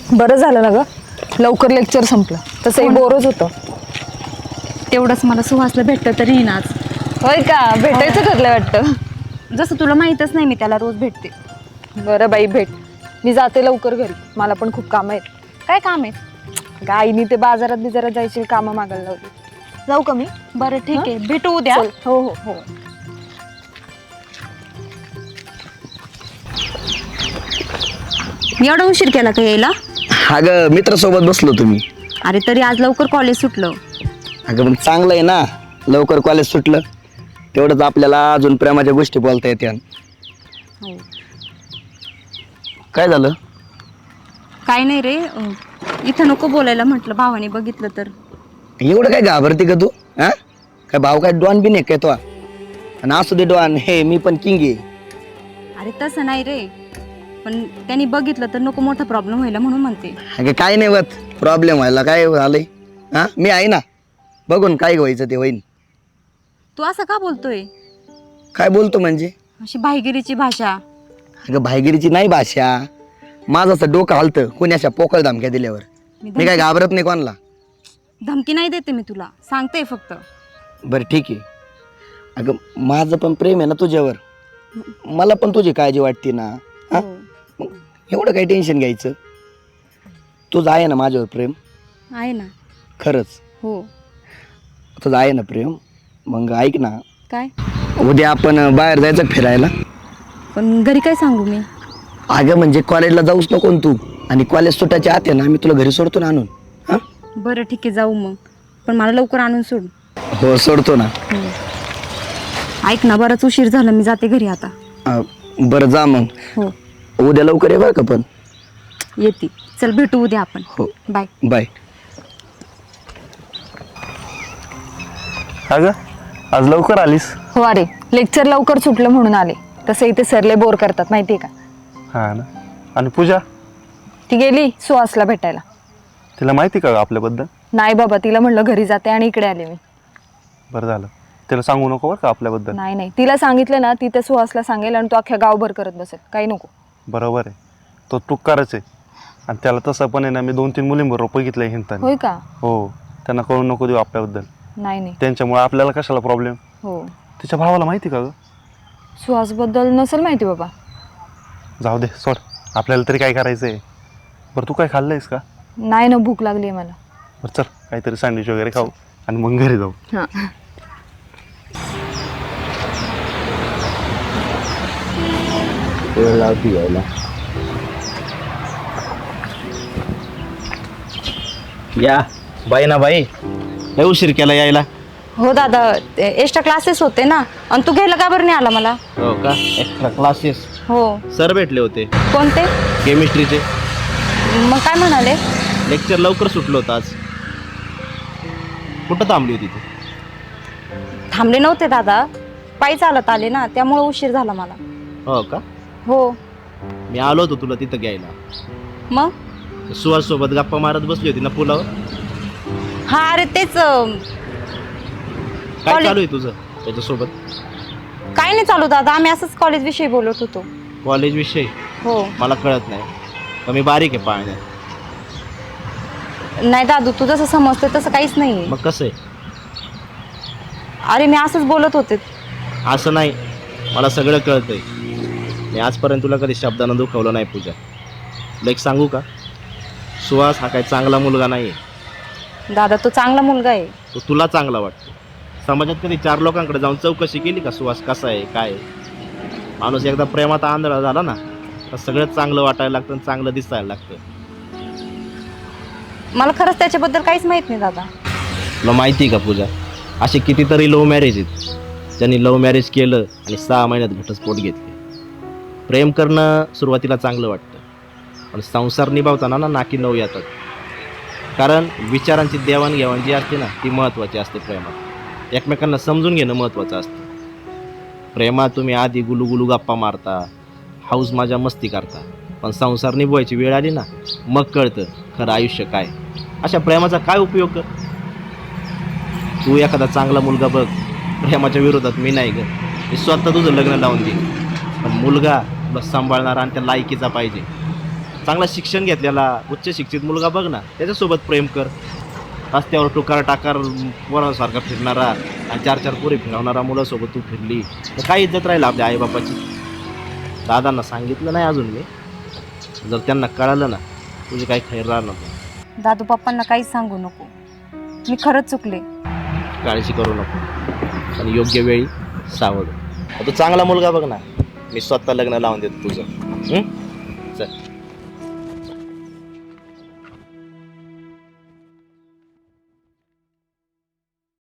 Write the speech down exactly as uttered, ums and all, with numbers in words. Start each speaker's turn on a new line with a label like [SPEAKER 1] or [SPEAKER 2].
[SPEAKER 1] बरं झालं ना ग, लवकर लेक्चर संपलं. तसंही बोरच होतं.
[SPEAKER 2] तेवढंच मला सुहासला भेटतं तरी येईन आज.
[SPEAKER 1] होय का, भेटायचं ठरलं वाटतं.
[SPEAKER 2] जसं तुला माहीतच नाही मी त्याला रोज भेटते.
[SPEAKER 1] बरं बाई, भेट. मी जाते लवकर घरी, मला पण खूप कामं आहेत.
[SPEAKER 2] काय काम आहे?
[SPEAKER 1] गाईनी ते बाजारात बिजारात जायची कामं मागायला लावली. जाऊ का मी?
[SPEAKER 2] बरं ठीक आहे, भेटू उद्या.
[SPEAKER 1] चल. हो हो हो.
[SPEAKER 2] एवढा उशीर केला का यायला?
[SPEAKER 3] अगं मित्रासोबत बसलो तुम्ही.
[SPEAKER 2] अरे तरी आज लवकर कॉलेज सुटलं.
[SPEAKER 3] अगं मग चांगलं आहे ना, लवकर कॉलेज सुटलं तेवढंच आपल्याला अजून प्रेमाच्या गोष्टी बोलता येत्या.
[SPEAKER 2] हो.
[SPEAKER 3] काय झालं?
[SPEAKER 2] काय नाही रे, अं, इथं नको बोलायला म्हटलं, भावाने बघितलं तर.
[SPEAKER 3] एवढं काय घाबरते का तू? हा काय भाऊ काय डॉन बी नाही काय तो? आणि असू दे डॉन, हे मी पण किंग आहे.
[SPEAKER 2] अरे तसं नाही रे, पण त्यांनी बघितलं तर नको मोठा प्रॉब्लेम व्हायला म्हणून म्हणते.
[SPEAKER 3] अगं काय नाही होत प्रॉब्लेम व्हायला, काय झालंय? हा मी आहे ना, बघून काय व्हायचं ते होईन.
[SPEAKER 2] तू असं का बोलतोय?
[SPEAKER 3] काय बोलतो म्हणजे?
[SPEAKER 2] अशी भाईगिरीची भाषा.
[SPEAKER 3] अगं भाईगिरीची नाही भाषा, माझं असं डोकं हलतं कोणी अशा पोकळ धमक्या दिल्यावर.
[SPEAKER 2] मी
[SPEAKER 3] मी काय घाबरत नाही कोणाला.
[SPEAKER 2] धमकी नाही देते मी तुला, सांगते फक्त.
[SPEAKER 3] बरं ठीक आहे. अगं माझं पण प्रेम आहे ना तुझ्यावर, मला पण तुझी काळजी वाटते ना. हा
[SPEAKER 2] हो.
[SPEAKER 3] मग एवढं काही टेन्शन घ्यायचं? तुझं आहे ना माझ्यावर प्रेम?
[SPEAKER 2] आहे ना.
[SPEAKER 3] खरंच
[SPEAKER 2] हो.
[SPEAKER 3] तुझं आहे ना प्रेम? मग ऐक ना,
[SPEAKER 2] काय?
[SPEAKER 3] उद्या आपण बाहेर जायचं फिरायला.
[SPEAKER 2] पण घरी काय सांगू मी?
[SPEAKER 3] अगं म्हणजे कॉलेजला जाऊच नको ना तू, आणि कॉलेज सुटायच्या आत आहे ना मी तुला घरी सोडतो ना आणून. हां
[SPEAKER 2] बरं ठीक आहे, जाऊ मग, पण मला लवकर आणून सोड.
[SPEAKER 3] हो सोडतो ना.
[SPEAKER 2] ऐक ना, बराच उशीर झाला, मी जाते घरी आता.
[SPEAKER 3] अं, बरं जा मग.
[SPEAKER 2] हो
[SPEAKER 3] उद्या लवकर ये बरं का. पण
[SPEAKER 2] येते. चल भेटू उद्या आपण.
[SPEAKER 3] हो
[SPEAKER 2] बाय.
[SPEAKER 3] बाय.
[SPEAKER 4] अगं आज लवकर आलीस?
[SPEAKER 1] हो, अरे लेक्चर लवकर सुटलं म्हणून आले. तसं इथे सरले बोर करतात माहितीये का.
[SPEAKER 4] हा ना. आणि पूजा,
[SPEAKER 1] ती गेली सुहासला भेटायला.
[SPEAKER 4] तिला माहिती का आपल्याबद्दल?
[SPEAKER 1] नाही बाबा, तिला म्हणलं घरी जाते आणि इकडे आले मी.
[SPEAKER 4] बरं झालं, तिला सांगू नको बरं का आपल्याबद्दल.
[SPEAKER 1] नाही नाही, तिला सांगितलं ना ती त्या सुहासला सांगेल आणि तो अख्ख्या गावभर करत बसेल. काही नको.
[SPEAKER 4] बरोबर आहे, तो टुक्कारच आहे. आणि त्याला तसं पण आहे ना, मी दोन तीन मुलींबरोबर बघितलंय हिंडताना.
[SPEAKER 1] होय का?
[SPEAKER 4] हो, त्यांना कळून नको देऊ आपल्याबद्दल.
[SPEAKER 1] नाही नाही.
[SPEAKER 4] त्यांच्यामुळे आपल्याला कशाला प्रॉब्लेम?
[SPEAKER 1] हो,
[SPEAKER 4] तिच्या भावाला माहिती का गं?
[SPEAKER 1] सुहास बद्दल नसेल माहिती बाबा.
[SPEAKER 4] जाऊ दे, सोड, आपल्याला तरी काय करायचं आहे. बरं तू काय खाल्लंयस का?
[SPEAKER 1] नाही ना, भूक लागली आहे मला.
[SPEAKER 4] बरं चल, काहीतरी सँडविच वगैरे खाऊ आणि मग घरी जाऊ.
[SPEAKER 1] हां.
[SPEAKER 3] वेळ लावती यायला. या बाई ना बाई, लय उशीर केला यायला.
[SPEAKER 2] हो दादा, एक्स्ट्रा क्लासेस होते ना, आणि तू घ्यायला का बरं नाही आला मला?
[SPEAKER 3] हो का, एक्स्ट्रा क्लासेस?
[SPEAKER 2] हो.
[SPEAKER 3] सर भेटले होते
[SPEAKER 2] कोणते?
[SPEAKER 3] केमिस्ट्रीचे.
[SPEAKER 2] मग काय म्हणाले?
[SPEAKER 3] लेक्चर लवकर सुटलं होतं आज. कुठं थांबली होती तू?
[SPEAKER 2] थांबले नव्हते दादा, पायी चालत आले ना, त्यामुळे उशीर झाला मला.
[SPEAKER 3] हो का?
[SPEAKER 2] हो.
[SPEAKER 3] मी आलो होतो तुला तिथं घ्यायला.
[SPEAKER 2] मग?
[SPEAKER 3] सुहास सोबत गप्पा मारत बसली होती ना पुलावर.
[SPEAKER 2] हा, अरे तेच. अं,
[SPEAKER 3] काय
[SPEAKER 2] कॉलेज-
[SPEAKER 3] चालू आहे तुझं त्याच्यासोबत?
[SPEAKER 2] काय नाही चालू दादा, आम्ही असंच कॉलेज विषयी बोलत होतो.
[SPEAKER 3] कॉलेज विषयी?
[SPEAKER 2] हो.
[SPEAKER 3] मला कळत नाही, पण मी बारीक आहे पाहण्यात.
[SPEAKER 2] नाही दादू, तू जसं समजते तसं काहीच नाही.
[SPEAKER 3] मग कसं आहे?
[SPEAKER 2] अरे मी असंच बोलत होते.
[SPEAKER 3] असं नाही, मला सगळं कळतंय. मी आजपर्यंत तुला कधी शब्दानं दुखवलं नाही पूजा. तुला एक सांगू का, सुहास हा काही चांगला मुलगा नाही आहे.
[SPEAKER 2] दादा तो चांगला मुलगा आहे.
[SPEAKER 3] तो तुला चांगला वाटतो. समाजात कधी चार लोकांकडे जाऊन चौकशी केली का सुहास कसा आहे काय आहे? माणूस एकदा प्रेमात आंधळा झाला ना, तर सगळं चांगलं वाटायला लागतं आणि चांगलं दिसायला लागतं.
[SPEAKER 2] मला खरंच त्याच्याबद्दल काहीच माहित नाही दादा.
[SPEAKER 3] तुला माहिती आहे का पूजा, असे कितीतरी लव्ह मॅरेज आहेत ज्यांनी लव्ह मॅरेज केलं आणि सहा महिन्यात घटस्फोट घेतले. प्रेम करणं सुरुवातीला चांगलं वाटतं, पण संसार निभावताना ना नाकी नऊ येतात. कारण विचारांची देवाणघेवाण जी असते ना, ती महत्त्वाची असते प्रेमात. एकमेकांना समजून घेणं महत्त्वाचं असतं. प्रेमात तुम्ही आधी गुलुगुलू गप्पा मारता, हाऊस माझ्या मस्ती करता, पण संसार निभवायची वेळ आली ना, मग कळतं खरं आयुष्य काय. अशा प्रेमाचा काय उपयोग कर. तू एखादा चांगला मुलगा बघ. प्रेमाच्या विरोधात मी नाही ग, मी स्वतः तुझं लग्न लावून देईन, पण मुलगा तुला सांभाळणारा आणि त्या लायकीचा पाहिजे. चांगला शिक्षण घेतलेला उच्च शिक्षित मुलगा बघ ना, त्याच्यासोबत प्रेम कर. रस्त्यावर टुकार टाकार पोरांसारखा फिरणारा आणि चार चार पोरी फिरवणारा मुलासोबत तू फिरली तर काय इज्जत राहील आपल्या आईबापाची. दादांना सांगितलं नाही अजून मी, जर त्यांना कळालं ना तुझे काही खैर राहणार नाही.
[SPEAKER 2] दादू पप्पांना काहीच सांगू नको, मी खरंच चुकले.
[SPEAKER 3] काळजी करू नको आणि योग्य वेळी सावध. तू चांगला मुलगा बघ ना, मी स्वतः लग्न लावून देतो तुझं. हं? चल.